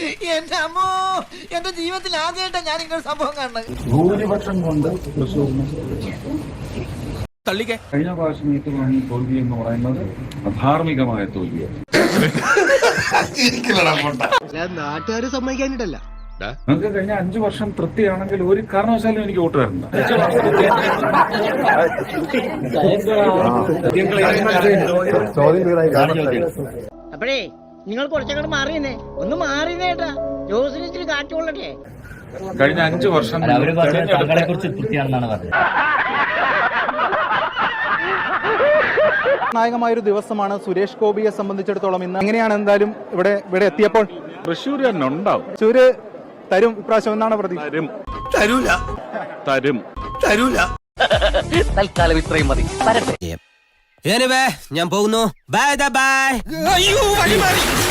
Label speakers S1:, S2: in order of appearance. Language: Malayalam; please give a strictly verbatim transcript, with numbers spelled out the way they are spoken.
S1: എന്റെ അമ്മോ, എന്റെ ജീവിതത്തിൽ ആദ്യമായിട്ടാണ് ഞാൻ ഇങ്ങനെ സംഭവം കാണുന്നത്.
S2: ഭൂരിപക്ഷം കൊണ്ട് തൃശ്ശൂരിന്
S3: തള്ളിക്കേ.
S2: കഴിഞ്ഞ പ്രാവശ്യം ഏറ്റുവാങ്ങിയ തോൽവി എന്ന് പറയുന്നത് അധാർമികമായ തോൽവിയാണ്.
S4: നാട്ടുകാര് സമ്മതിക്കാനിട്ടല്ല.
S2: നിങ്ങൾക്ക് കഴിഞ്ഞ അഞ്ചു വർഷം തൃപ്തിയാണെങ്കിൽ ഒരു കാരണവശാലും എനിക്ക് വോട്ട് തരണ്ട.
S5: അപ്പഴേ നിങ്ങൾ കുറച്ചങ്ങോട്ട് മാറിയെന്നേ, ഒന്ന് മാറിയേട്ടാ. ജോസിന് ഇച്ചിരി കാറ്റുകൊള്ളട്ടെ.
S2: കഴിഞ്ഞ അഞ്ചു വർഷം
S6: തങ്ങളെ കുറിച്ച് തൃപ്തിയാണെന്നാണ് പറഞ്ഞത്.
S7: നിർണായകമായൊരു ദിവസമാണ് സുരേഷ് ഗോപിയെ സംബന്ധിച്ചിടത്തോളം. ഇന്ന് എങ്ങനെയാണ് എന്തായാലും ഇവിടെ ഇവിടെ എത്തിയപ്പോൾ
S2: തൃശ്ശൂർ തന്നെ ഉണ്ടാവും.
S7: തൃശ്ശൂര് തരും ഇപ്രാവശ്യം എന്നാണ് പ്രതീക്ഷ.
S3: തരും തരൂല തരും തരൂല.
S6: തൽക്കാലം ഇത്രയും മതി.
S1: ഞാൻ പോകുന്നു. Bye bye.
S3: അയ്യോ വഴി മാറി.